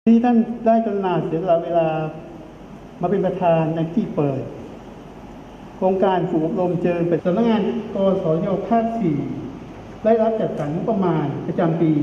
ที่ท่านได้กรุณาเสียเวลามาเป็นประธานในที่เปิดโครงการฝึกอบรมเชิงเป็นสำนักงานกสยภาค 4ได้รับจัดสรรงบประมาณประจำปี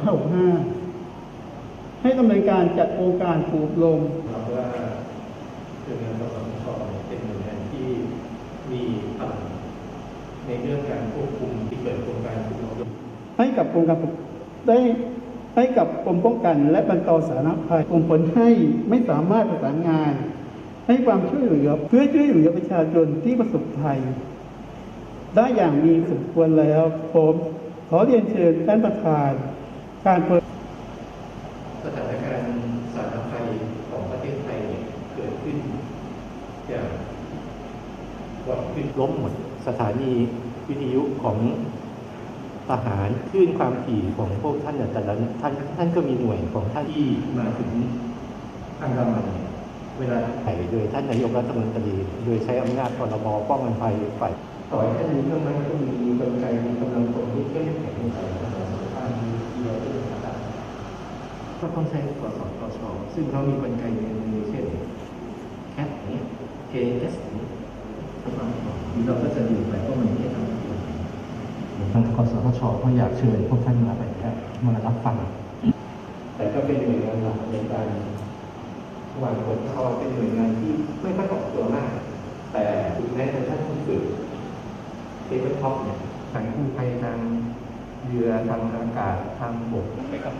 2565ให้ดำเนินการจัดโครงการฝึกอบรมครับว่าคือเงินกสทช.เป็นหน่วยงานที่มีพลังในเรื่องการควบคุมที่เกิดโครงการฝึกอบรมให้กับโครงการได้ให้กับกรมป้องกันและบรรเทาสาธารณภัยส่งผลให้ไม่สามารถประสานงานให้ความช่วยเหลือเพื่อช่วยเหลือประชาชนที่ประสบภัยได้อย่างมีสมควรแล้วผมขอเรียนเชิญท่านประธานการเปิดสถานการณ์สาธารณภัยของประเทศไทยเกิดขึ้นจากก่อนขึ้นล้มหมดสถานีวิทยุของทหารคลื่นความถี่ของพวกท่านแต่ละท่านก็มีหน่วยของท่านที่มาถึงอันดามันเวลาไถ่โดยท่านนายกรัฐมนตรีโดยใช้อำนาจพรบป้องกันภัยฝ่ายต่อยท่านนี้ก็มันก็มีกลไกมีกำลังคนที่เข้มแข็งในการรักษาสุขภาพที่ดีต่างๆก็ต้องใช้กสทช.ซึ่งเขามีกลไกในมือเช่นแคปนี้ KS นี้เราก็จะดูไปว่ามันไม่ทำทางกสทช.ก็อยากเชิญพวกท่านมาไปมารับฟังแต่ก็เป็นหน่วยงานหลักในการวางกฎเขาเป็นหน่วยงานที่ไม่ค่อยออกตัวมากแต่ถึงแม้แต่ท่านผู้ฝึกเทเบิลท็อปเนี่ยทางกู้ภัยทางเรือทางอากาศทางบกไปกับ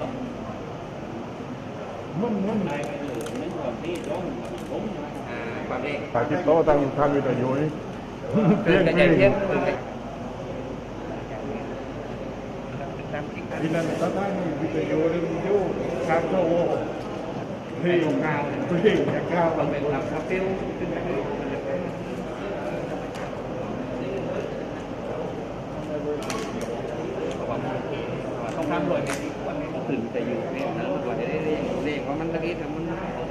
มันได้ไปเลยนั่นก่อนที่ร้องผมความเร่ง tại cái đó đang tham gia tại vui thì là người ta đang bị tại vui đi vô khám cho vô thì cao bằng việc làm sao tiêuต้องทำรวยไงวันนี้ก็ตื่นแต่อยู่เนี่ยนะวันนี้เรียกว่ามันตะกี้ทำมัน